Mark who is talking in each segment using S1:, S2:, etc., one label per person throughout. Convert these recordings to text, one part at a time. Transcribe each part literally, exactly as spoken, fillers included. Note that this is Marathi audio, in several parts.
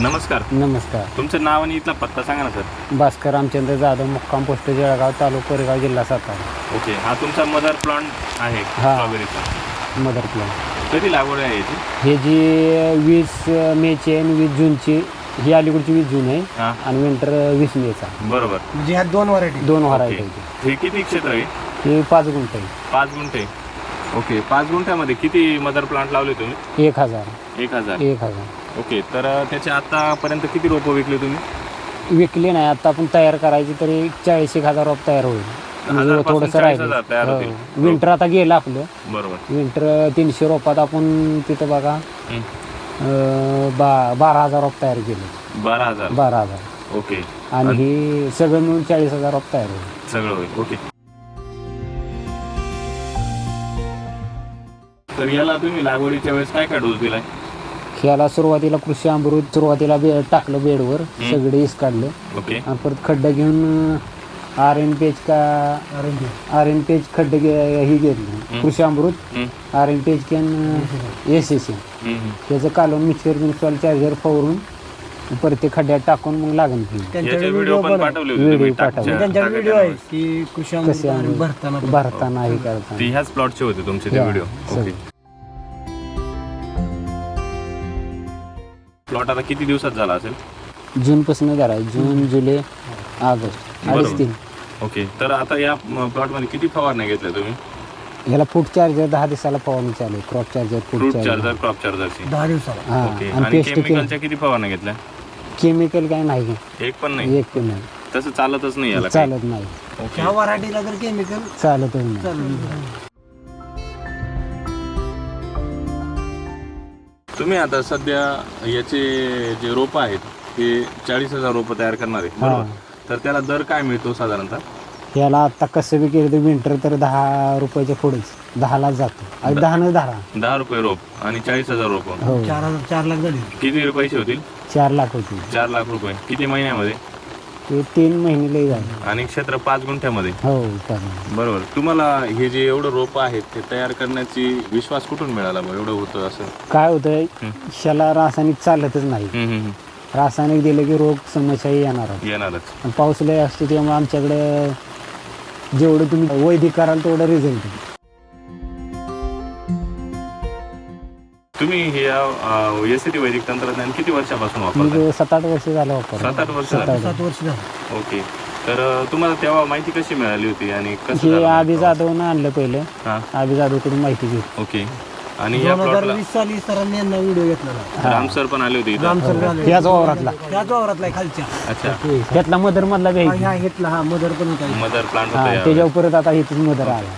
S1: नमस्कार.
S2: नमस्कार.
S1: तुमचं नाव आणि इथला पत्ता सांगा ना सर.
S2: भास्कर रामचंद्र जाधव, मुक्काम पोस्ट जळगाव, तालुका कोरेगाव, जिल्हा सातारा.
S1: ओके, हा तुमचा मदर प्लांट आहे
S2: हा.
S1: स्ट्रॉबेरीचा.
S2: Mother plan.
S1: कधी लागवड आहे याची?
S2: हे जी वीस मेची आणि वीस जूनची, ही अलीकडची वीस जून आहे
S1: हा.
S2: आणि विंटर वीस मेचा.
S1: बरोबर.
S3: म्हणजे ह्या दोन व्हरायटी
S2: दोन
S1: ओके.
S2: व्हरायटी.
S1: हे किती क्षेत्र आहे?
S2: हे पाच गुंठ आहे.
S1: पाच गुंठे. ओके, पाच गुंठ्यामध्ये किती मदर प्लांट लावले तुम्ही?
S2: एक हजार
S1: एक हजार
S2: एक हजार
S1: ओके, तर त्याचे आतापर्यंत किती रोपं विकले तुम्ही?
S2: विकली नाही. आता आपण तयार करायची तरी चाळीस एक हजार रोप तयार होईल. म्हणजे
S1: हजारपासून
S2: थोडंसं
S1: चाळीस
S2: राहिलं.
S1: हजार तयार होतील.
S2: हो. विंटर आता गेलं आपलं.
S1: बरोबर.
S2: विंटर तीनशे रोपात आपण तिथं बघा
S1: हं.
S2: अं, बा बारा हजार रोप तयार केले.
S1: बारा हजार
S2: बारा हजार
S1: ओके.
S2: आणि ही सगळं मिळून चाळीस हजार रोप तयार होईल.
S1: सगळं होईल. ओके, तर याला तुम्ही लागवडीच्या वेळेस काय काय डोस दिलाय?
S2: ह्याला सुरुवातीला कृषी अमृत सुरुवातीला बे टाकलं बेडवर,
S1: हं.
S2: सगळे इस काढलं
S1: ओके.
S2: आणि परत खड्डा घेऊन आर एन पेज का
S3: आरंगी
S2: आर एन पेज खड्डे घे- ही घेतलं.
S1: हं.
S2: कृषी अमृत
S1: हं.
S2: आर एन पेज कॅन एस एस एन
S1: हं, हं.
S2: त्याचं कालवून मिक्सर मिक्सर चार्जर फवरून परत ते खड्ड्यात टाकून मग लागण केली.
S1: याचे
S3: त्यांच्याकडे
S1: व्हिडिओ
S3: व्हिडिओ
S1: पण
S3: पण आहे.
S1: पाठवले होते
S2: व्हिडिओ
S1: तुम्ही
S2: पाठवले.
S1: टाकच्या-
S3: त्यांच्याकडे व्हिडिओ
S1: टाकायला.
S3: आहे की कृषी
S2: कसे
S3: अमृत
S2: अमृत
S3: भरताना
S2: भरताना हे
S1: ती
S2: करताना
S1: ह्याच प्लॉटचे होते तुमचे ते
S2: हा,
S1: व्हिडिओ.
S2: सगळे.
S1: ओके. प्लॉट आता किती दिवसात झाला असेल?
S2: जूनपासून धराय जून जुलै ऑगस्ट
S1: बरोबर.
S2: अडीच तीन.
S1: ओके, तर आता या प्लॉट मध्ये किती फवारण्या घेतल्या तुम्ही?
S2: ह्याला फूट चार्जर दहा दिवसाला फवारणी चालू आहे. क्रॉप चार्जर फूट
S1: फ्रूट
S2: चार्जर
S1: चार्जर, क्रॉप चार्जरची.
S3: दहा दिवसाला.
S2: हा
S1: ओके,
S2: आणि
S1: आणि
S2: पेस्ट
S1: केमिकलच्या किती फवारण्या घेतल्या?
S2: केमिकल काय नाही.
S1: एक पण नाही.
S2: एक पण नाही.
S1: तसं चालतच नाही याला काही.
S2: चालत नाही.
S1: ओके.
S3: ह्या व्हरायटीला जर केमिकल
S2: चालतच नाही.
S3: चालू
S1: तुम्ही आता सध्या याचे जे रोपं आहेत हे चाळीस हजार रोपं तयार करणार आहे, बरोबर? तर त्याला दर काय मिळतो साधारणतः?
S2: ह्याला आता कसं बी केलं तर विंटर तर दहा रुपयाच्या पुढेच दहालाच जातो. आणि दहानं धरा.
S1: दहा रुपये रोप आणि चाळीस हजार रोपं
S2: हो
S3: चार हजार चार लाख झाली.
S1: किती पैसे होतील?
S2: चार लाख होती.
S1: चार लाख रुपये. किती महिन्यामध्ये?
S2: ते तीन महिने लई झाले.
S1: आणि क्षेत्र पाच गुंठ्यामध्ये.
S2: हो चालेल.
S1: बरोबर. तुम्हाला हे जे एवढं रोप आहेत ते तयार करण्याची विश्वास कुठून मिळाला बा एवढं होतं असं?
S2: काय होतंय
S1: हं.
S2: ह्याला रासायनिक चालतच नाही.
S1: हम्म, हम्म, हम्म.
S2: रासायनिक दिलं की रोग समस्या येणार.
S1: येणारच.
S2: आणि पाऊस लय असतो त्यामुळे आमच्याकडे जेवढं तुम्ही वैदिक कराल तेवढं रिझल्ट.
S1: तुम्ही हे एस टी वैदिक तंत्रज्ञान किती वर्षापासून वापरता?
S2: म्हणजे सात आठ वर्ष झालं वापर.
S1: सात आठ वर्ष
S2: सात
S1: झाली.
S2: आठ.
S3: सात वर्ष झाली.
S1: ओके, तर अं, तुम्हाला तेव्हा माहिती कशी मिळाली होती आणि कसं
S2: हे
S1: झालं
S2: आबी
S1: मग?
S2: जाधवनं आणलं पहिलं.
S1: हा.
S2: आबी जाधवकडून माहिती घेतली.
S1: ओके. आणि या
S3: दोन हजार
S1: प्लॉटला
S3: वीस साली सरांनी यांना व्हिडिओ घेतलेला.
S1: राम सर पण आले होते इथं.
S3: राम सर आले.
S2: त्याच वावरातला.
S3: त्याच वावरातला आहे खालच्या.
S1: अच्छा,
S2: त्यातला मदर मधला
S3: हा,
S2: घ्यायची.
S3: ह्या घेतला हा मदर पण होता.
S1: मदर प्लांट
S2: हा
S1: होता यावेळी.
S2: त्याच्यावर परत आता इथेच मदर आला.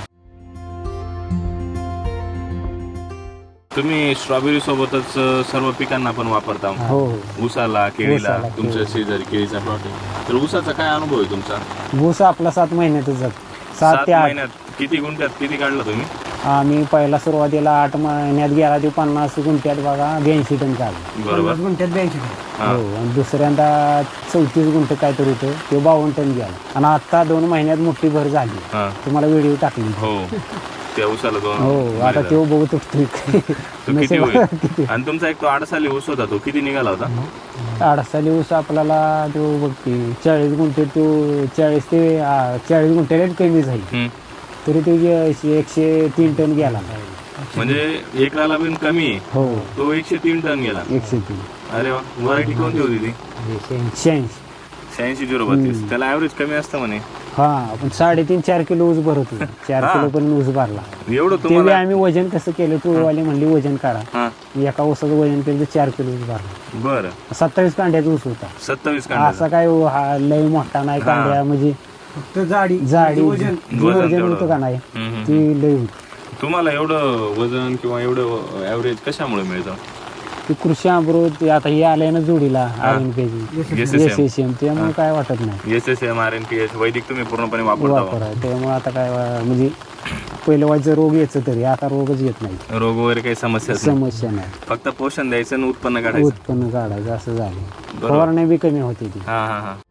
S1: तुम्ही स्ट्रॉबेरी सोबतच अं, सर्व पिकांना पण वापरता?
S2: हो हो.
S1: ऊसाला, केळीला,
S2: ऊसाला,
S1: तुमच्या
S2: केळी.
S1: शेजारी केळीचा प्लॉट आहे. तर ऊसाचा काय अनुभव आहे तुमचा?
S2: ऊस आपला सात महिन्यातच जातो. सात
S1: सात
S2: ते आठ.
S1: महिन्यात किती गुंठ्यात किती काढला तुम्ही?
S2: आम्ही पहिला सुरुवातीला आठ महिन्यात गेला ते पन्नास गुंठ्यात बघा ब्याऐंशी टन काढलं.
S1: बरोबर.
S3: पन्नास गुंठ्यात ब्याऐंशी.
S1: हा.
S2: हो आणि दुसऱ्यांदा चौतीस गुंठ काहीतरी होतं ते बावन्न टन गेला. आणि आता दोन महिन्यात मोठी भर झाली.
S1: हा.
S2: तुम्हाला व्हिडिओ टाकली.
S1: हो, त्या ऊसाला दोन
S2: हो आता
S1: महिने
S2: तो बघू तुटतोय.
S1: तो किती होईल? आणि तुमचा एक तो आडसाली ऊस होता, तो किती निघाला होता?
S2: अडसाली ऊस आपल्याला तो बघते चाळीस गुंठे तो चाळीस ते आ, चाळीस गुंठ्याला कमी झाली
S1: हम्म.
S2: तरी तो जे एकशे तीन टन गेला.
S1: म्हणजे एकराला पण कमी आहे.
S2: हो
S1: तो एकशे तीन टन गेला.
S2: एकशे तीन.
S1: अरे वा, व्हरायटी कोणती होती ती?
S2: शहाऐंशी.
S1: शहाऐंशी झिरो बत्तीस. त्याला ऍव्हरेज कमी असतं म्हणे.
S2: हा पण साडेतीन चार किलो ऊस भरत होता. चार
S1: हा.
S2: किलो पण ऊस भरला.
S1: एवढं
S2: ते
S1: तुम्हाला?
S2: आम्ही वजन कसं केलं टोळवाले म्हणली वजन करा.
S1: हा.
S2: एका ऊसाचं वजन केलं तर चार किलो ऊस भरला.
S1: बरं.
S2: सत्तावीस कांड्याचा ऊस होता.
S1: सत्तावीस
S2: असा
S1: कांड्याचा.
S2: काय हा लय मोठा नाही
S1: हा.
S2: कांड्या म्हणजे
S3: फक्त जाडी
S2: जाडी
S3: वजन.
S2: जी
S1: वजन
S2: वजन
S1: तेवढं.
S2: होतं का नाही
S1: हम्म, हम्म,
S2: ती
S1: हम्म.
S2: लय होती.
S1: तुम्हाला एवढं वजन किंवा एवढं ऍव्हरेज कशामुळे मिळतं?
S2: ती कृषी अमृत आता हे आलंय ना जोडीला आर एन पेजी
S1: S
S2: S
S1: S M
S2: S M त्यामुळे काय वाटत नाही.
S1: S S M R N P H वैदिक तुम्ही पूर्णपणे वापरता?
S2: वापर आहे त्यामुळे आता काय म्हणजे पहिलं वाजचं रोग यायचं तरी आता रोगच येत नाही.
S1: रोग वगैरे काही समस्या नाही.
S2: समस्या नाही.
S1: फक्त पोषण द्यायचं आणि उत्पन्न काढायचं.
S2: उत्पन्न काढायचं असं झालं.
S1: बरोबर.
S2: फवारणी बी कमी होती ती.
S1: हा हा हा.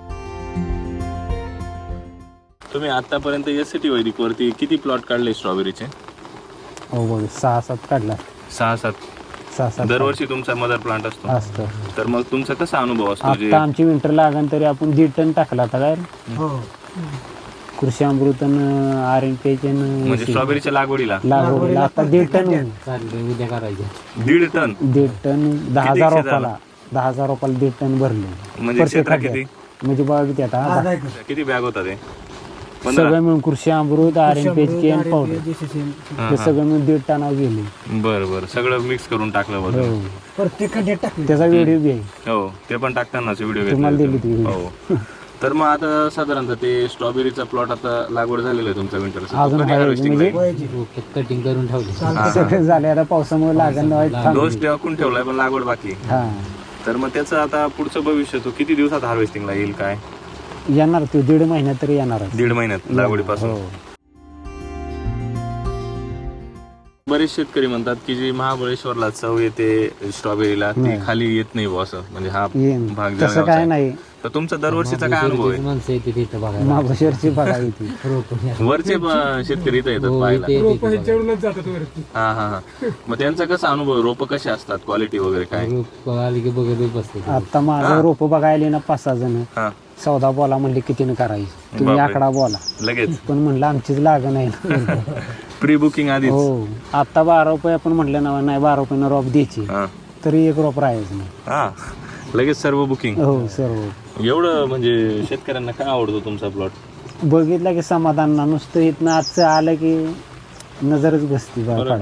S1: तुम्ही आतापर्यंत एस टी वैदिक वरती किती प्लॉट काढले स्ट्रॉबेरीचे?
S2: हो बघ सहा सात काढला.
S1: सहा सात.
S2: सहा सात
S1: दरवर्षी तुमचा मदर प्लांट असतो.
S2: असतं.
S1: तर मग तुमचा कसा अनुभव असतो? जे
S2: आता आमची विंटर लागण तरी आपण दीड टन टाकला आता काय
S3: हो
S2: कृषी अमृतन आर एन पी
S1: म्हणजे स्ट्रॉबेरीच्या लागवडीला
S2: लागवडीला आता दीड टन होईल.
S4: उद्या करायचे
S1: दीड टन
S2: दीड टन दहा
S1: किती
S2: हजार
S1: क्षेत्र
S2: रुपयाला दहा हजार रुपयाला दीड टन भरले.
S1: म्हणजे क्षेत्र किती
S2: म्हणजे बघा किती आता
S3: अर्धा एकर.
S1: किती बॅग होता ते? पंधरा.
S2: सगळं मिळून कृषी अमृत आर एन पी
S3: शंभर,
S2: केन
S3: R N
S2: powder
S3: P, J C C.
S1: हा,
S2: हे
S1: हा.
S2: सगळं मिळून दीड टनावर गेले.
S1: बरं बरं सगळं मिक्स करून टाकलं
S2: हो
S1: बरं.
S3: प्रत्येक खड्ड्यात टाकले.
S2: त्याचा व्हिडिओ बी आहे.
S1: हो ते पण टाकतानाच व्हिडिओ
S2: तुम्हाला
S1: घेतला
S2: दिली ती
S1: हो. तर मग आता साधारणतः ते स्ट्रॉबेरीचा प्लॉट आता लागवड झालेला आहे तुमचा विंटरचा.
S2: अजून आहे म्हणजे
S3: वयाची.
S4: कटिंग करून ठेवले.
S2: सगळे झाले आता पावसामुळे लागण थांबली.
S1: डोस टाकून ठेवलाय पण लागवड बाकी.
S2: हा
S1: तर मग त्याचं आता पुढचं भविष्य तो किती दिवसात हार्वेस्टिंगला येईल काय?
S2: येणार तो दीड महिन्यात तरी येणार.
S1: दीड महिन्यात लागवडीपासून.
S2: हो
S1: बरेच शेतकरी म्हणतात की जी महाबळेश्वरला चव येते स्ट्रॉबेरीला ती खाली येत नाही बुवा असं म्हणजे हा
S2: येईन.
S1: भाग
S2: तसं
S1: जळगावचा
S2: काय
S1: आहे.
S2: नाही.
S1: तर तुमचा दरवर्षीचा काय अनुभव आहे?
S4: माणसं येते तिथं बघायला.
S2: महाबळेश्वरची बघा इथे.
S1: वरचे प- शेतकरी इथं येतात
S4: हो,
S1: पाहायला.
S4: इथे- इथे बघायला.
S1: हा हा हा मग त्यांचा कसा अनुभव? रोप कसे असतात, क्वालिटी वगैरे काय?
S4: रोप आली की बघत बसते.
S2: आता माझं रोप बघायला ना पाच सहा जण
S1: हा
S2: सौदा बोला म्हणले कितीनं करायची तुम्ही
S1: बापरे.
S2: आकडा बोला
S1: लगेच
S2: पण म्हणलं आमचीच लागण आहे ना.
S1: प्री बुकिंग आधीच.
S2: हो आता बारा रुपये आपण म्हटलं ना नाही बारा रुपयानं रोप द्यायची
S1: हा
S2: तरी एक रोप राहायचं नाही.
S1: हा लगेच सर्व बुकिंग.
S2: हो सर्व
S1: एवढं म्हणजे शेतकऱ्यांना काय आवडतो तुमचा प्लॉट?
S2: बघितलं की समाधान ना नुसतं इथनं आजचं आलं की नजरच बसती बा
S1: बरं.
S2: पाडात.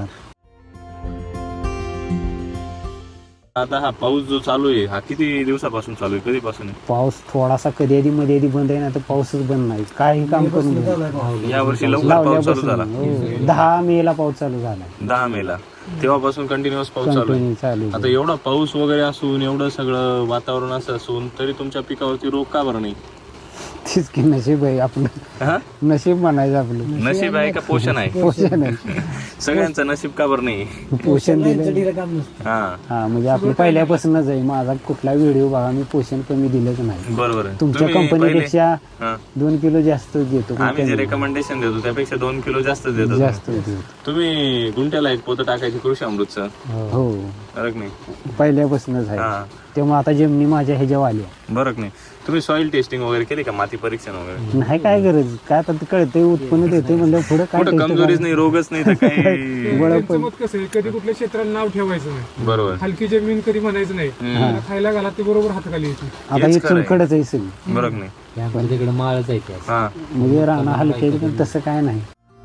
S1: आता हा पाऊस जो चालू आहे हा किती दिवसापासून चालू आहे? कधीपासून आहे?
S2: पाऊस थोडासा कधी आधी मध्ये आधी बंद आहे ना तर पाऊसच बंद नाही काही काम करून दे.
S3: झालाय पाऊस.
S1: या वर्षी लवकर पाऊस चालू
S2: लावल्यापासून
S1: झाला.
S2: हो, दहा मे ला पाऊस चालू झाला.
S1: दहा मेला तेव्हापासून कंटिन्युअस पाऊस चालू आहे.
S2: कंटिन्यू चालू
S1: आता एवढा पाऊस वगैरे असून एवढं सगळं वातावरण असं असून तरी तुमच्या पिकावरती रोग का बरं नाही?
S2: तीच की नशीब आहे आपलं.
S1: हा?
S2: नशीब म्हणायचं आपलं.
S1: नशीब आहे का पोषण आहे?
S2: पोषण आहे.
S1: सगळ्यांचं नशीब का बरं नाही?
S2: पोषण दिलं.
S3: चढीला काम नसतं.
S1: हा
S2: हा म्हणजे आपलं पहिल्यापासूनच आहे. माझा कुठला व्हिडिओ बघा मी पोषण कमी दिलंच नाही.
S1: बरोबर आहे.
S2: तुमच्या
S1: तुम्ही पहिले-
S2: कंपनीपेक्षा
S1: हा.
S2: दोन किलो जास्त देतो पण
S1: आम्ही जे
S2: कमी.
S1: रेकमेंडेशन देतो त्यापेक्षा दोन किलो जास्त देतो.
S2: जास्त देतो.
S1: तुम्ही गुंठ्याला एक पोतं टाकायची कृषी अमृतचं
S2: हो
S1: फरक नाही.
S2: पहिल्यापासूनच आहे.
S1: हा
S2: त्यामुळे आता जमिनी माझ्या ह्याच्या आल्या
S1: बरं नाही. तुम्ही सॉइल टेस्टिंग वगैरे केली का? माती परीक्षण वगैरे?
S2: नाही काय गरज काय आता ते कळतंय उत्पन्न देते म्हणजे पुढे काय
S1: कुठं
S2: टेस्ट
S1: कमजोरीच नाही, रोगच नाही तर काही.
S2: बळ
S5: त्यांचं
S2: पण
S5: मत कसं आहे, कधी कुठल्या क्षेत्राला नाव ठेवायचं नाही.
S1: बरोबर.
S5: हलकी जमीन कधी म्हणायचं नाही. त्याला खायला घाला ते बरोबर हाताखाली येते.
S2: आता
S1: हेच
S2: हे
S1: खरं आहे.
S2: चुनकडच आहे सगळी
S1: बरं नाही.
S4: त्याकडे तिकडे माळच आहे त्या.
S1: हा
S2: म्हणजे राहणं हलके पण तसं काय नाही.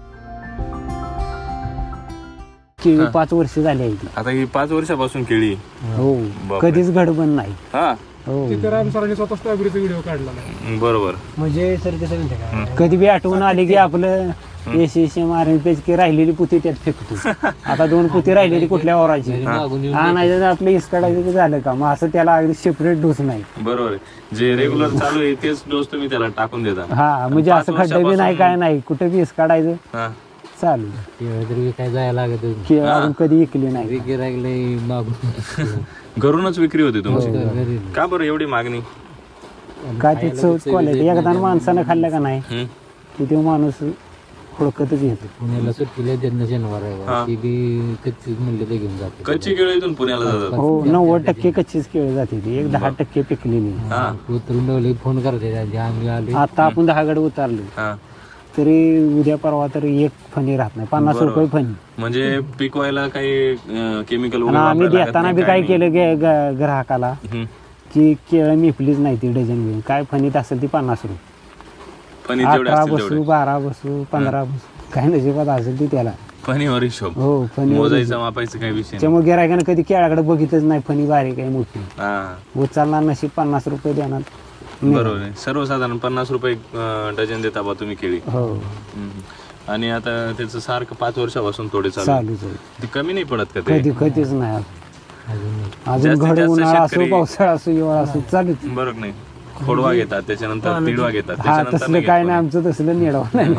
S2: केळी पाच वर्ष झाली आहे.
S1: आता ही पाच वर्षापासून केळी.
S2: हो
S1: बापरे.
S2: कधीच घडबंद नाही.
S1: हा
S2: हो
S5: तिथं राम सरांनी स्वतः स्ट्रॉबेरीचा व्हिडिओ काढला नाही.
S1: बरोबर.
S3: म्हणजे सर कसं म्हणते का
S2: कधी बी आठवण आली की आपलं S S M R N पेज की राहिलेली पुती त्यात फेकतो. आता दोन पुती राहिलेली कुठल्या ओराची
S4: मागून येऊन
S2: आणायचं तर आपलं इसकाडायचं की झालं का मग असं त्याला अगदी सेपरेट डोस नाही.
S1: बरोबर आहे. जे रेग्युलर चालू आहे तेच डोस तुम्ही त्याला टाकून देता.
S2: हा म्हणजे
S1: पाच
S2: असं खड्डे बी नाही काय नाही कुठे बी इसकाडायचं
S1: हा
S2: चालू.
S4: केळं तरी काय जायला लागत
S2: की अजून कधी इकली नाही.
S4: गिरायला मागून
S1: घरूनच विक्री होती तुमची.
S4: घरी
S1: का बरं एवढी मागणी?
S2: काय ते चव क्वालिटी एकदा माणसानं खाल्लं का नाही
S1: हम्म.
S2: की तो माणूस हुडकतच येतो.
S4: पुण्याला सुट्टीला त्यांना शनिवार
S1: हा.
S4: आहे ती बी कच्चीच म्हणले ते घेऊन जाते.
S1: कच्ची केळी इथून पुण्याला जातात.
S2: हो नव्वद टक्के कच्चीच केळी जाते ती एक दहा टक्के पिकलेली.
S1: हा
S4: उतरून ठेवले फोन करते आधी आम्ही आले
S2: आता आपण दहा गड उतारलो
S1: हा
S2: तरी उद्या परवा तरी एक फणी राहत नाही पन्नास
S1: बरोबर.
S2: रुपये फणी.
S1: म्हणजे पिकवायला काही केमिकल
S2: आणि आम्ही देताना बी काय केलं गे- ग- ग्राहकाला की केळं मिपलीच नाही ती डझन घेऊन काय फणीत असेल ती पन्नास रुपये.
S1: फणी जेवढे
S2: अठरा
S1: असतील
S2: बसू
S1: तेवढे.
S2: बारा बसू पंधरा बसू काय नशिबात असेल ती त्याला.
S1: फणीवर हिशोब.
S2: हो फणी
S1: मोजायचं मापायचं काही विषय नाही.
S2: त्यामुळे गिरायकानं कधी केळाकडे बघितच नाही फणी बारीक आहे मोठी
S1: हा
S2: उचलणार नशीब पन्नास रुपये देणार.
S1: बरोबर आहे. सर्वसाधारण पन्नास रुपये अं, डझन देता बा तुम्ही केळी.
S2: हो
S1: हम्म. आणि आता त्याचं सारखं पाच वर्षापासून थोडे चालू आहे.
S2: चालूच आहे.
S1: ते कमी नाही पडत का ते?
S2: कधी कधीच नाही
S4: अजून नाही.
S2: अजून
S1: जास्तीत
S2: घड
S1: जास्त
S2: उन्हाळा असो
S1: शेतकरी-
S2: पावसाळा असो हिवाळा असो चालूच.
S1: बरोबर नाही. खोडवा घेतात त्याच्यानंतर तिडवा घेतात
S2: हा
S1: त्याच्यानंतर
S2: तसलं
S1: नाही
S2: काय
S1: घेत
S2: नाही आमचं तसलं निडवा नाही.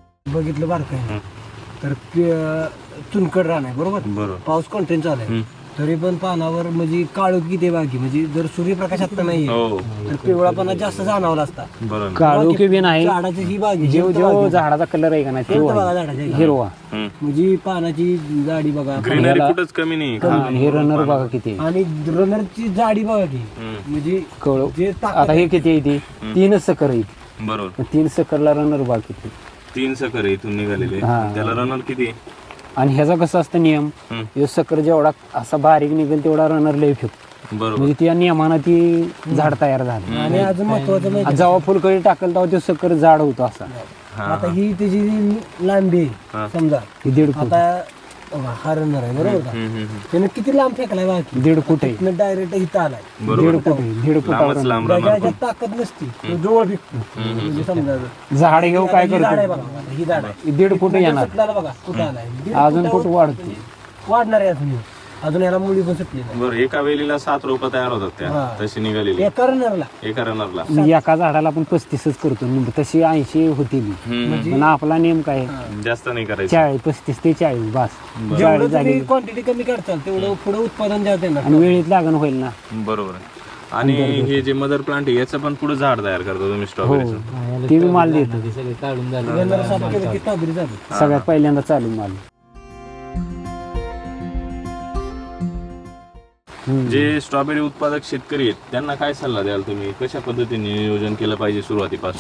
S3: बघितलं बारकाय
S1: हं.
S3: तर ते, चुनकड राहणार बरोबर
S1: कोणी. बरोबर.
S3: पाऊस कंटिन्यू चालू आहे
S1: हम्म.
S3: तरी पण पानावर म्हणजे काळू किती बाकी म्हणजे जर सूर्यप्रकाश आता नाहीये
S1: हो
S3: तर पिवळापणा जास्त जाणवला असता.
S1: बरोबर.
S2: काळोखी बी नाही,
S3: झाडाची ही बागी
S2: जेव जेव झाडाचा कलर आहे का नाही
S3: बघा
S2: तो
S3: झाडाच्या
S2: हिरवा.
S1: हम्म.
S3: म्हणजे पानाची जाडी बघा
S1: ग्रीनरी कुठंच कमी नाही.
S2: हा, हे रनर बघा किती आहे.
S3: आणि रनरची जाडी बघा की
S1: हम्म.
S3: म्हणजे
S2: कळो
S3: जे ताकद
S2: आता हे किती आहे ती तीनच सकर आहे.
S1: बरोबर.
S2: तीन सकरला रनर बघा किती.
S1: तीन सकर आहे इथून निघालेले,
S2: हा.
S1: त्याला रनर किती?
S2: आणि ह्याचा कसं असतं नियम,
S1: हम्म.
S2: हे सकर जेवढा असा बारीक निघेल तेवढा रनर लय फेकतो.
S1: बरोबर.
S2: म्हणजे त्या नियमानं ती झाड तयार झाली.
S3: आणि अजून महत्वाचं माहिती
S2: आणि जेव्हा फुलकळी टाकल तेव्हा ते सकर जाड होतो असा.
S1: हा,
S3: आता ही त्याची लांबी
S1: हा.
S3: आहे समजा
S2: ही दीड फूट
S3: आता बघा, हा रनर आहे बरोबर का,
S1: हम्म, हम्म, हम्म.
S3: त्याने किती लांब फेकलाय बाकी
S2: दीड फूट आहे.
S3: डायरेक्ट इथं आलाय.
S1: बरोबर.
S2: दीड फूट आहे दीड फुटावर
S1: लांबच लांब
S3: त्याच्या
S1: रनर
S3: ह्याच्यात ताकद नसती तो जवळ फेकतो म्हणजे समजा
S2: झाड घेऊ काय
S3: ही झाड आहे
S2: करतो
S3: बघा ही झाड आहे
S2: दीड फूट येणार,
S3: सुटल्याला बघा कुठं आलाय दीड
S2: अजून फूट
S3: फुटावर
S2: वाढतो.
S3: वाढणार आहे अजून अजून याला मुली पण सुटली नाही.
S1: बरं. एका वेलीला सात रोपं तयार होतात त्या,
S3: हा.
S1: तशी निघालेली
S3: एका रनरला
S1: एका रनरला.
S2: म्हणजे एका झाडाला आपण पस्तीसच करतो, म्हणजे तशी ऐंशी होती बी.
S1: हम्म.
S2: पण आपला नेम काय
S1: जास्त नाही करायचं.
S2: चाळीस पस्तीस ते चाळीस बास.
S3: जेवढं
S2: चाळीस झाली
S3: तुम्ही क्वांटिटी कमी करताल तेवढं पुढे उत्पादन जास्त येणार.
S2: आणि वेळेत लागण होईल ना.
S1: बरोबर आहे. आणि हे जे मदर प्लांट आहे याचं पण पुढे झाड तयार करतो तुम्ही स्ट्रॉबेरीचं.
S2: ते बी माल देतो.
S4: ते सगळे काढून झाले
S3: रनर साफ केलं की स्ट्रॉबेरी झाली.
S2: सगळ्यात पहिल्यांदा चालू माल.
S1: जे स्ट्रॉबेरी उत्पादक शेतकरी आहेत त्यांना काय सल्ला द्याल तुम्ही, कशा पद्धतीने नियोजन केलं पाहिजे सुरुवातीपासून?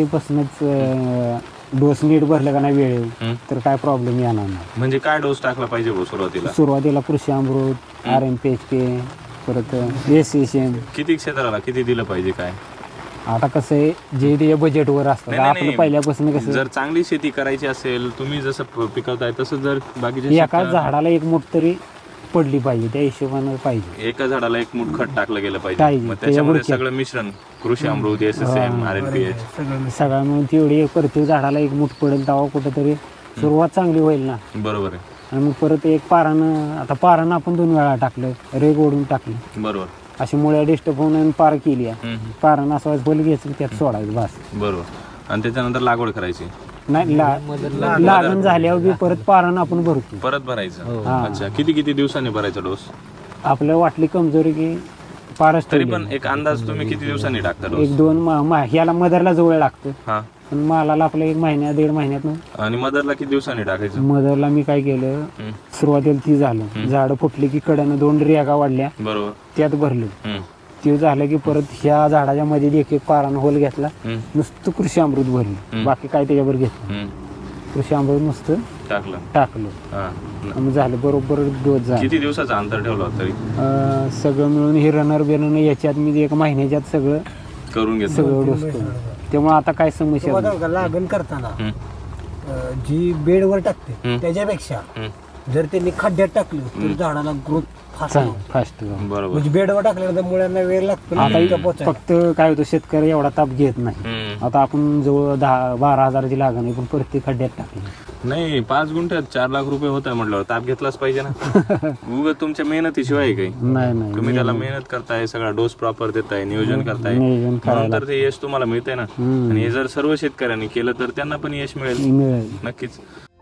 S2: सुरुवातीपासूनच डोस नीट भरलं का नाही वेळेवर
S1: हम्म.
S2: तर काय प्रॉब्लेम येणार नाही.
S1: म्हणजे काय डोस टाकला पाहिजे भाऊ सुरुवातीला?
S2: सुरुवातीला Krushi Amrut, R M P H K, परत एस एस एम.
S1: किती क्षेत्राला किती दिलं पाहिजे काय?
S2: आता कसं आहे जे ते बजेटवर असतं
S1: नाही, नाही,
S2: आपलं
S1: नाही.
S2: पहिल्यापासून कसं
S1: जर चांगली शेती करायची असेल, तुम्ही जसं प- पिकवताय तसं जर बाकीच्या
S2: एका
S1: शेतकऱ्यांना-
S2: झाडाला एक मूठ तरी पडली पाहिजे, त्या हिशोबानं पाहिजे.
S1: एका झाडाला एक मुठ खत टाकलं गेलं पाहिजे.
S2: पाहिजे.
S1: मग त्याच्यामध्ये
S2: त्याच्यावर
S1: सगळं मिश्रण Krushi Amrut, S S M, R N P H.
S3: सगळं
S2: सगळ्या मिळून तेवढी एक प्रत्येक झाडाला एक मूठ पडेल तेव्हा कुठंतरी सुरुवात चांगली होईल ना.
S1: बरोबर आहे.
S2: आणि मग परत एक पारानं, आता पारानं आपण दोन वेळा टाकलं, रेग ओढून टाकलं,
S1: बरोबर.
S2: अशी मुळ्या डिस्टर्ब होऊन आणि पार केली आहे.
S1: हम्म, हम्म.
S2: पारानं असं फल घ्यायचं त्यात सोडायचं बस.
S1: बरोबर. आणि त्याच्यानंतर लागवड करायची,
S2: नाही ला- लागण झाल्यावर बी परत पारानं आपण भरतो.
S1: परत भरायचं.
S2: हा.
S1: अच्छा. किती किती दिवसांनी भरायचा डोस?
S2: आपलं वाटली कमजोरी की पारच
S1: तरी
S2: ठेवली.
S1: पण एक अंदाज तुम्ही किती दिवसांनी टाकता डोस?
S2: एक दोन मा- मा- ह्याला मदरला जवळ लागतं,
S1: हा.
S2: पण मालाला आपलं एक महिन्या दीड महिन्यात.
S1: आणि मदरला किती दिवसांनी टाकायचं?
S2: मदरला मी काय केलं,
S1: हम्म.
S2: सुरुवातीला ती झालं, झाडं फुटली की कड्यानं दोन रेगा वाढल्या
S1: बरोबर.
S2: त्यात भरलं.
S1: हम्म.
S2: ते झालं की परत ह्या झाडाच्या मध्ये एक एक पारानं होल घेतला,
S1: हम्म.
S2: नुसतं कृषी अमृत भरलं, बाकी काय त्याच्यावर घेतलं.
S1: हम्म.
S2: कृषी अमृत नुसतं
S1: टाकलं.
S2: टाकलं.
S1: हा.
S2: मग झालं बरोबर डोस झाला.
S1: किती दिवसाचं अंतर ठेवलं होतं तरी?
S2: अं, सगळं मिळून हे रनर बिरनर याच्यात मी एक महिन्याच्यात सगळं
S1: करून घेतलं.
S2: सगळं डोस केलं. त्यामुळे आता काय समस्या
S3: तुम्हाला
S2: नाही.
S3: बघा, लागण करताना
S1: हम्म.
S3: अं, जी बेडवर टाकते
S1: हम्म.
S3: त्याच्यापेक्षा
S1: हम्म.
S3: जर त्यांनी खड्ड्यात टाकलं तर झाडाला ग्रोथ फास्ट
S2: चांग- फास्ट
S1: बरोबर.
S3: म्हणजे बेडवर टाकल्यानंतर मुळ्यांना वेळ लागतो ना
S2: आता
S3: इथं पोचायला.
S2: फक्त काय होतं, शेतकरी एवढा ताप घेत नाही.
S1: हम्म.
S2: आता आपण जवळ दहा बारा हजाराची लागण आहे, पण प्रत्येक खड्ड्यात टाकली.
S1: नाही, पाच गुंठ्यात चार लाख रुपये होत आहे म्हटल्यावर ताप घेतलाच पाहिजे ना. उगाच तुमच्या मेहनतीशिवाय आहे काही.
S2: नाही नाही
S1: तुम्ही त्याला मेहनत करताय, सगळा डोस प्रॉपर देताय, नियोजन करताय,
S2: नियोजन
S1: म्हणून
S2: करायला
S1: तर ते यश तुम्हाला मिळतंय ना.
S2: हम्म.
S1: आणि हे जर सर्व शेतकऱ्यांनी केलं तर त्यांना पण यश मिळेल
S2: मिळेल.
S1: नक्कीच.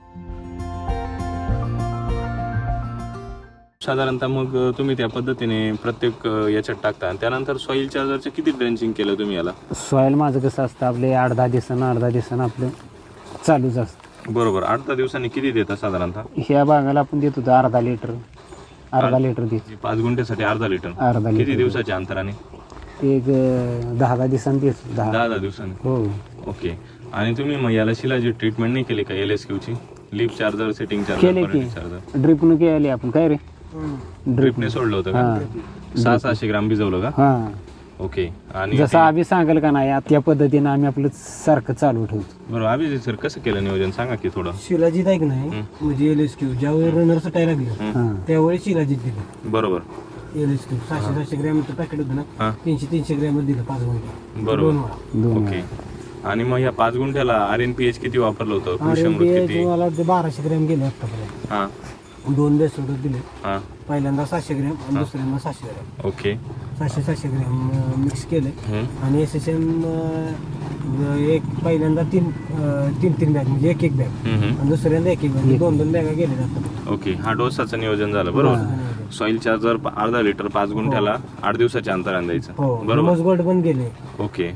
S1: साधारणतः मग तुम्ही त्या पद्धतीने प्रत्येक अं, याच्यात टाकता. आणि त्यानंतर सॉइल चार्जरचं किती ड्रेंचिंग केलं तुम्ही याला?
S2: सॉईल माझं कसं असतं, आपले आठ दहा दिवसानं आठ दहा दिवसानं आपलं चालूच असतं.
S1: बरोबर. आठ दहा दिवसांनी किती देता साधारणतः?
S2: ह्या बागाला आपण देत होतो अर्धा लिटर अर्धा लिटर देतो.
S1: पाच गुंठ्यासाठी अर्धा लिटर.
S2: अर्धा
S1: किती
S2: लिटर
S1: दिवसाच्या अंतराने?
S2: एक अं, दहा दहा दिवसांनी देतो. दहा
S1: दहा दहा दिवसांनी.
S2: हो.
S1: ओके. आणि तुम्ही मग याला शिलाची ट्रीटमेंट नाही केली का? एल एस क्यूची लिप चार्जर, सेटिंग
S2: केले
S1: चार्जर,
S2: की
S1: चार्जर
S2: ड्रिपनं केले आपण. काय रे ड्रिप
S1: ड्रिपने सोडलं होतं का? सहा सहाशे ग्राम भिजवलं का?
S2: हा,
S1: ओके. आणि
S2: जसं आम्ही सांगेल का नाही त्या पद्धतीनं आम्ही आपलं सारखं चालू ठेवतो.
S1: बरोबर. अभिजित सर, कसं केलं नियोजन सांगा की थोडं.
S3: शिलाजीत आहे की नाही म्हणजे एल एस क्यू ज्यावेळी रनर सुटायला लागलं
S2: हा.
S3: त्यावेळी शिलाजीत दिलं.
S1: बरोबर.
S3: एल एस क्यू सहाशे सहाशे ग्रॅमचं पॅकेट होतं ना,
S1: हा.
S3: तीनशे तीनशे ग्रॅम दिलं पाच गुंठे
S1: बरोबर.
S3: दोन वेळा.
S2: दोन
S1: ओके. आणि मग ह्या पाच गुंठ्याला आर एन पी एच किती वापरलं होतं? कृषी अमृत
S3: आणि
S1: किती?
S3: मला ते बाराशे ग्रॅम गेले आतापर्यंत.
S1: हा
S3: दोन बेसोड दिले,
S1: हा.
S3: पहिल्यांदा सहाशे ग्रॅम आणि दुसऱ्यांदा सहाशे ग्रॅम
S1: ओके.
S3: सहाशे सहाशे ग्रॅम मिक्स केले.
S1: हम्म.
S3: आणि एस एस एम एक पहिल्यांदा तीन अं, तीन तीन बॅग म्हणजे एक एक बॅग
S1: हम्म, हम्म.
S3: आणि दुसऱ्यांदा एक एक बॅग दोन दोन बॅगा गेले जातात.
S1: ओके. हा डोसाचं नियोजन झालं. बरोबर. सॉइल चार्जर अर्धा लिटर पाच गुंठ्याला आठ दिवसाच्या अंतराने द्यायचं
S3: हो
S1: बरोबर
S3: गोल्ड पण गेले.
S1: ओके.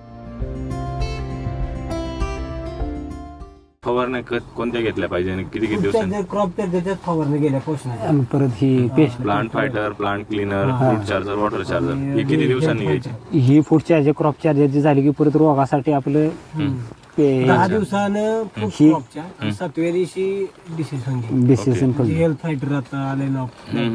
S1: फवारण्या क- कोणत्या घेतल्या पाहिजे आणि किती किती दिवसांनी?
S3: क्रॉप त्याच्यात फवारणी गेल्या पोषणाच्या.
S2: आणि परत ही paste
S1: plant fighter, plant cleaner, fruit charger, water charger ही किती दिवसांनी घ्यायची?
S2: ही फूड चार्जर क्रॉप चार्जर जी झाली की परत रोगासाठी आपलं पे-
S3: दहा दिवसानं
S2: ही-
S3: क्रॉपच्या सातव्या दिवशी डिसिजन
S2: डिसिजन करून
S3: हेल्थ फायटर आता आले ना.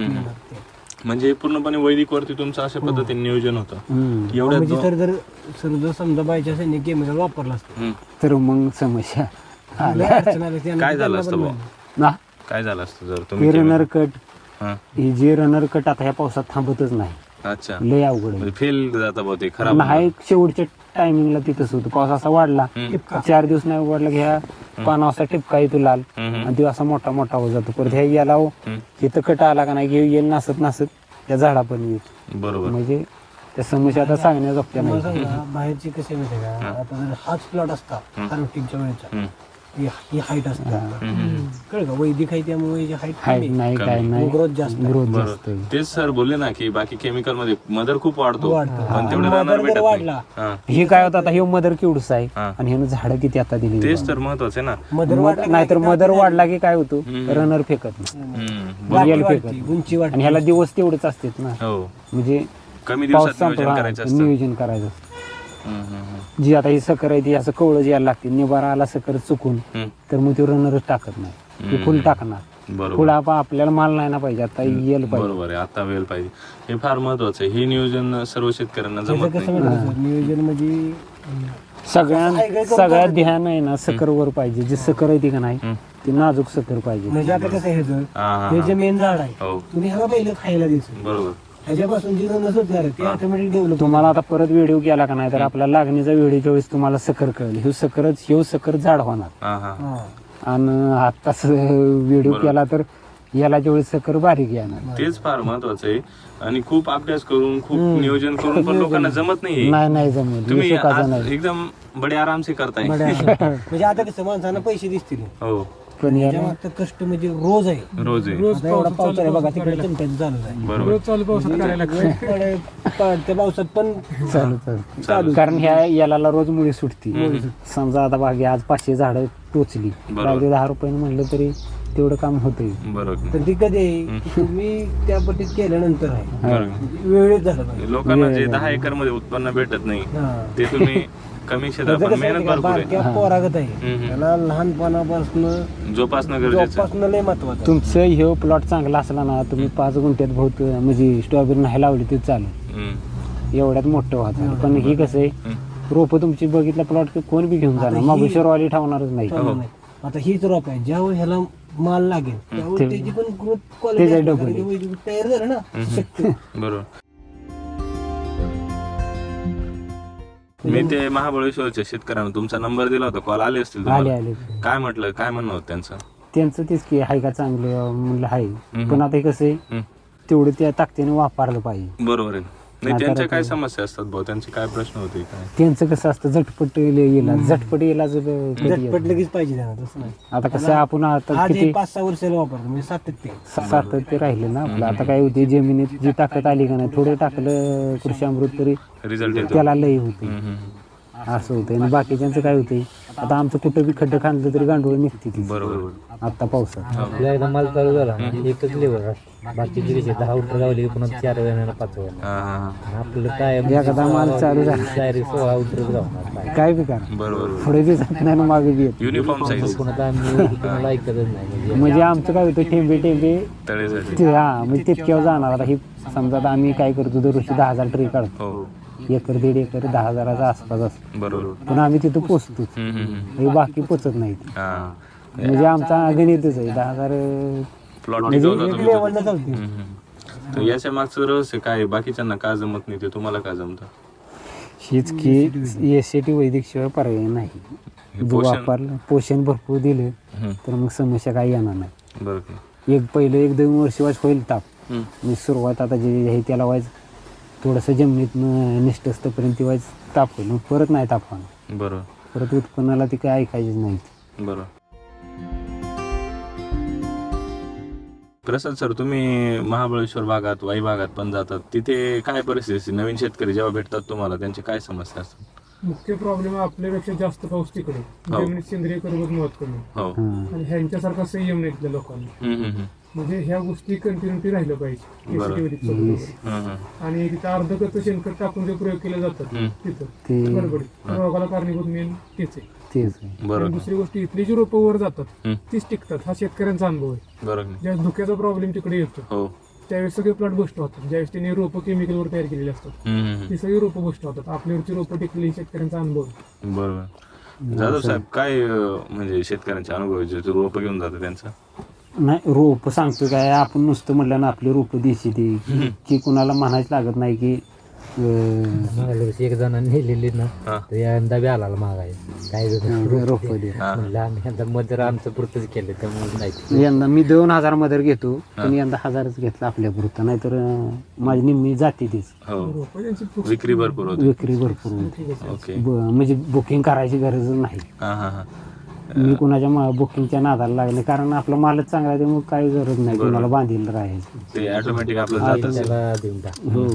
S1: म्हणजे पूर्णपणे वैदिक वरती तुमचं अशा पद्धतीने नियोजन होतं
S2: हम्म.
S1: एवढ्या
S3: म्हणजे
S1: दो-
S3: सर जर सर जर समजा बायच्या सैनिक केमिकल वापरला असतं
S1: हम्म.
S2: तर मग समस्या
S3: लय अडचण आली असती. आणि
S1: काय झालं
S3: त्यांना
S1: असतं
S3: पण
S1: भाऊ?
S2: ना
S1: काय झालं असतं जर
S2: ही
S1: तुम्ही
S2: रनर कट
S1: हा.
S2: ही जी रनर कट आता ह्या पावसात थांबतच नाही,
S1: अच्छा
S2: लय अवघड आहे.
S1: म्हणजे फेल जाता भाऊ ते खराब
S2: नाही शेवटच्या टायमिंगला तिथंच होतं. पाऊस असा वाढला चार दिवस नाही वाढला की ह्या पाना असा टिपका येतो लाल
S1: हम्म.
S2: आणि तो असा मोठा मोठा होत जातो. परत ह्या याला इथं कट आला का नाही की येईल नासत नासत त्या झाडा पण येईल.
S1: बरोबर
S2: म्हणजे त्या समस्या आता सांगण्याजोगत्या
S3: मला
S2: नाही.
S3: सांगा बाहेरची कशी माहिती का आता जर हाच प्लॉट असता हार्वेस्टिंगच्या वेळेचा
S1: हम्म.
S3: ही ही हाईट असते कळ का वैदिक आहे त्यामुळे हाईट
S2: हाईट नाही काय नाही
S3: ग्रोथ जास्त आहे.
S2: ग्रोथ जास्त आहे.
S1: बरोबर तेच सर बोलले ना की बाकी केमिकल मध्ये मदर खूप वाढतो
S3: वाढतो.
S1: पण तेवढं
S3: मदर
S1: राहणार
S3: जर
S1: भेटत नाही.
S3: वाढला
S1: हा.
S2: हे काय होतं आता हे मदर केवढूच आहे
S1: हा.
S2: आणि ह्यानं झाडं किती आता दिली.
S1: तेच तर महत्वाचं आहे ना.
S3: मदर वाढला
S2: नाहीतर मदर वाढला की काय होतो रनर फेकत नाही,
S1: हम्म.
S3: गाठी
S2: रिअल
S3: वाढती,
S2: फेकत
S3: उंची वाढते.
S2: आणि ह्याला दिवस तेवढेच असतात ना.
S1: हो
S2: म्हणजे
S1: कमी
S2: पाऊस
S1: दिवसात नियोजन
S2: संपला
S1: करायचं असतं
S2: नियोजन करायचं असतं.
S1: हम्म, हम्म,
S2: जी आता ही सकर आहे ती असं कवळं यायला लागते. निबारा आला सकर चुकून
S1: हम्म.
S2: तर मग ती रनरच टाकत नाही, ती फुल टाकणार.
S1: बरोबर
S2: फुल आपण आपल्याला माल नाही ना पाहिजे आता येल पाहिजे.
S1: बरोबर आहे आता वेळ पाहिजे हे फार महत्वाचं आहे. हे नियोजन सर्व शेतकऱ्यांना
S3: त्याचं
S1: जमत
S3: कसं
S1: नाही.
S3: माहिती का? नियोजन म्हणजे
S2: सगळ्यात सगळ्यात ध्यान आहे ना सकरवर पाहिजे. जी सकर आहे ती का नाही ती नाजूक सकर पाहिजे.
S3: म्हणजे आता कसं आहे ह्याचं,
S1: हा, हा,
S3: हे
S1: हा.
S3: जे मेन झाड आहे
S1: हो
S3: तुम्ही ह्याला पहिलं खायला द्यायचं.
S1: बरोबर
S3: ह्याच्यापासून जी रनस होणार आहे ते ऑटोमॅटिक डेव्हलप.
S2: तुम्हाला आता परत व्हिडिओ केला का नाही तर आपला लागणीचा व्हिडिओच्या वेळेस तुम्हाला सकर कळेल. हे सकरच हे सकर झाड होणार.
S1: हा हा
S2: आणि आताच व्हिडिओ केला तर याला ज्यावेळेस सकर बारीक येणार.
S1: तेच फार महत्वाचं आहे आणि खूप अभ्यास करून खूप नियोजन करून पण लोकांना जमत नाही.
S2: नाही नाही जमेल
S1: तुम्ही
S2: हे सुखाचं
S1: आज
S2: नाही.
S1: एकदम बडे आरामसे करताय.
S3: म्हणजे आता कसं माणसांना पैसे दिसतील
S1: हो
S2: पण याला
S3: जेव्हा आता कष्ट म्हणजे रोज आहे.
S1: रोज आहे
S5: रोज
S3: आता एवढा
S5: पाऊस
S3: पाऊस आहे
S5: चालू
S3: बघा तिकडे चिमट्याचं चालू आहे.
S1: बरोबर
S5: रोज चालू पावसात करायला लागतं.
S3: पडे- पडत्या पावसात पण
S2: चालू चालू कारण ह्या याला रोज मुळी सुटती. समजा आता बागे आज पाचशे झाडं टोचली
S1: बरोबर.
S2: बागे दहा रुपयाने म्हणलं तरी तेवढं काम होतंय.
S1: बरोबर
S3: तर ती कधी आहे की तुम्ही त्या पट्टीत केल्यानंतर आहे
S1: बरोबर
S3: वेळेत झालं पाहिजे.
S1: लोकांना जे दहा एकर मध्ये उत्पन्न भेटत नाही
S3: हा.
S1: ते तुम्ही कमी क्षेत्रात
S3: त्याचं
S1: पण
S3: कसं
S1: मेहनत
S3: आहे का,
S1: भरपूर आहे
S3: बारक्या पोरागत आहे
S1: हम्म.
S3: त्याला लहानपणापासून
S1: जोपासणं गरजेचं आहे.
S3: जोपासणं लय महत्वाचं आहे.
S2: तुमचं हे प्लॉट चांगला असला ना तुम्ही पाच गुंठ्यात बहुत म्हणजे स्ट्रॉबेरी नाही लावली तरी चालेल.
S1: हम्म.
S2: एवढ्यात मोठं व्हायचं. पण हे कसं आहे रोपं तुमची बघितलं प्लॉट कोण बी घेऊन जाणार
S3: ही-
S2: मागुशेरवाली ठेवणार नाही.
S3: चालू नाही. आता हीच रोप आहे ज्यावेळी ह्याला माल लागेल त्यावेळी त्याची पण ग्रोथ
S2: त्याच्या
S3: क्वालिटी
S2: double.
S3: तयार झालं ना शक्य.
S1: बरोबर मी ते महाबळेश्वरच्या शेतकऱ्यांना तुमचा नंबर दिला होता कॉल आले असतील
S2: आले
S1: तुम्हाला?
S2: आले
S1: काय म्हटलं काय म्हणणं होतं त्यांचं?
S2: त्यांचं तेच की हाय का चांगलं म्हणलं हाय पण आता हे कसं आहे
S1: हम्म.
S2: तेवढं त्या ताकदीने वापरलं पाहिजे.
S1: बरोबर आहे नाही
S2: म्हातारं
S1: त्यांच्या काय
S2: ते-
S1: समस्या असतात भाऊ त्यांचे काय प्रश्न होते काय?
S2: त्यांचं कसं असतं झटपट इलाज झटपट इलाज कधी येत
S3: झटपट
S2: नाही.
S3: लगेच पाहिजे त्यांना तसं नाही.
S2: आता कसं आहे, आपण आता
S3: आज
S2: किती
S3: हे पाच सहा वर्षाला वापरतो म्हणजे सातत्य
S2: सातत्य राहिले ना आपलं. आता काय होते जमिनीत जी ताकद आली का नाही थोडं टाकलं कृषी अमृत तरी
S1: रिझल्ट येतो
S2: त्याला लय होते.
S1: हम्म, हम्म.
S2: असं होतं आणि बाकीच्यांचं काय होते आता आमचं कुठं बी खड्डं खांदलं तरी गांडूळ निघते ती
S1: बरोबर
S2: आता पावसात.
S4: आपला एकदा माल चालू झाला ना एकच लेबर बाकीची कशी दहा उठर गावली की पुन्हा चार वेळा पाच वेळा
S1: हा, हा, हा.
S4: आपलं काय
S2: एखादा माल चालू झाला
S4: डायरेक्ट सोळा उठरच गावणार
S2: काय बी करा
S1: बरोबर
S2: पुढे बी जात नाही ना मागे बी येत.
S1: युनिफॉर्म साईज
S4: पुन्हा तर आम्ही कुणाला ऐकतच नाही म्हणजे
S2: म्हणजे आमचं काय होतं टेंबे टेंबे
S1: तळेसाठी
S2: ते हा म्हणजे तितक्यावर जाणार. आता ही समजा आता आम्ही काय करतो दरवर्षी दहा हजार ट्री काढतो
S1: हो
S2: एकर दीड एकर दहा हजाराचा आसपास असतो
S1: बरोबर
S2: पण आम्ही तिथं पोचतो
S1: हम्म, हम्म, हम्म.
S2: हे बाकी पोचत नाही.
S1: हा
S2: म्हणजे आमचा गणितच आहे दहा हजार
S1: प्लॉट
S2: म्हणजे
S1: टिकवता तुम्ही
S3: लेवलला चालते.
S1: हम्म, हम्म. तर याच्या मागचं रहस्य काय आहे? बाकीच्यांना का जमत नाही ते तुम्हाला का जमतं?
S2: हीच की एस सी टी वैदिक शिवाय पर्याय नाही. जो
S1: पोषण-
S2: वापरलं पोषण भरपूर दिलं
S1: हम्म.
S2: तर मग समस्या काही येणार नाही.
S1: बरं का?
S2: एक पहिलं एक दोन वर्ष वाज होईल ताप
S1: हम्म.
S2: म्हणजे सुरुवात आता जे आहे त्याला व्हायचं थोडंसं जमिनीत निष्ठ असतंपर्यंत ती व्हायचं ताप होईल मग परत नाही ताप होणार.
S1: बरं
S2: परत उत्पन्नाला ती काय ऐकायचीच नाही.
S1: बरं प्रसाद सर, तुम्ही महाबळेश्वर भागात, वाई भागात पण जातात, तिथे काय परिस्थिती असते? नवीन शेतकरी जेव्हा भेटतात तुम्हाला, त्यांची काय समस्या असतात?
S5: मुख्य प्रॉब्लेम आपल्यापेक्षा जास्त पाऊस तिकडे,
S1: हो.
S5: जमिनीत सेंद्रिय कर्बत महत्व कमी
S1: हो.
S2: हा.
S5: आणि ह्यांच्यासारखा संयम नाही इथल्या लोकांना.
S1: हम्म, हम्म, हम्म.
S5: म्हणजे ह्या गोष्टी कंटिन्युटी राहिलं पाहिजे
S1: बरं.
S5: केसीटी वैदिक सोबत.
S1: हम्म, हम्म.
S5: आणि तिथं अर्धकच शेणखत टाकून जे प्रयोग केले जातात
S1: हम्म.
S5: तिथं
S2: ते
S5: गडबडीत रोगाला कारणीभूत मेन तेच आहे.
S2: तेच आहे.
S1: बरोबर.
S5: आणि दुसरी गोष्ट, इथली जी रोपं वर जातात
S1: हम्म.
S5: तीच टिकतात. हा शेतकऱ्यांचा अनुभव आहे.
S1: बरोबर.
S5: ज्यावेळेस धुक्याचा प्रॉब्लेम तिकडे येतो
S1: हो.
S5: त्यावेळेस सगळे प्लॉट गोष्ट होतात. ज्यावेळेस त्यांनी रोपं केमिकलवर तयार केलेली असतात
S1: हम्म, हम्म,
S5: ती सगळी रोपं गोष्ट होतात. आपल्यावरची रोपं टिकलेली शेतकऱ्यांचा अनुभव आहे.
S1: हम्म. बरोबर. जाधव साहेब, काय अं, म्हणजे शेतकऱ्यांचे अनुभव आहे, जे रोपं घेऊन जातात त्यांचा?
S2: नाही, रोप सांगतो काय, आपण नुसतं म्हटलं ना आपली रोप देशी ती की कुणाला म्हणायचं लागत नाही की अं,
S4: मागल्या वर्षी एक जणांनी नेलेली ना,
S1: हा.
S4: तर यंदा बी आला मागाय काय
S2: रोप दे.
S1: हा.
S4: म्हणलं आम्ही यंदा मजर आमचं पुरतच केलं, त्यामुळे नाही.
S2: यंदा मी दोन हजार मदर घेतो, पण यंदा हजारच घेतला आपल्या पुरता, नाहीतर अं, माझी निम्मी जाते तीच.
S1: हो.
S5: रोपं त्यांची फुकट
S1: विक्री भरपूर होती.
S2: विक्री भरपूर होती.
S1: ओके.
S2: ब- म्हणजे बुकिंग करायची गरज नाही.
S1: हा हा हा.
S2: मी कुणाच्या मा- बुकिंगच्या नादाला लागले, कारण आपला मालच चांगला आहे, त्यामुळे काही गरज नाही कुणाला बांधील राहायची.
S1: ते ऑटोमॅटिक आपलं जात असेल.
S4: त्याला देऊन टाक.
S2: हो.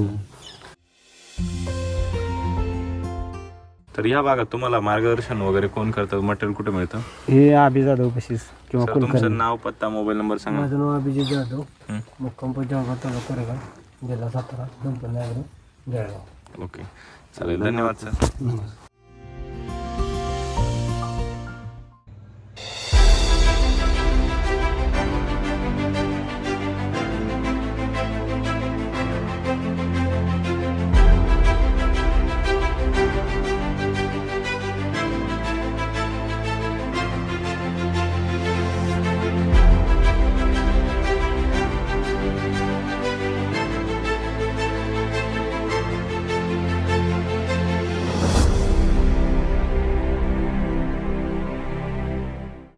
S1: तर या भागात तुम्हाला मार्गदर्शन वगैरे कोण करतं? मटेरियल कुठे मिळतं?
S2: हे अभि जाधव कशीच किंवा
S1: सर,
S2: कुलकर्णी.
S1: तुमचं नाव, पत्ता, मोबाईल नंबर सांगा.
S3: माझं नाव अभिजित जाधव,
S1: हं.
S3: मुक्काम जळगाव तालुका कोरेगाव, जिल्हा सातारा, गणपती नगर, जळगाव.
S1: ओके, चालेल. धन्यवाद सर.
S2: नमस्कार.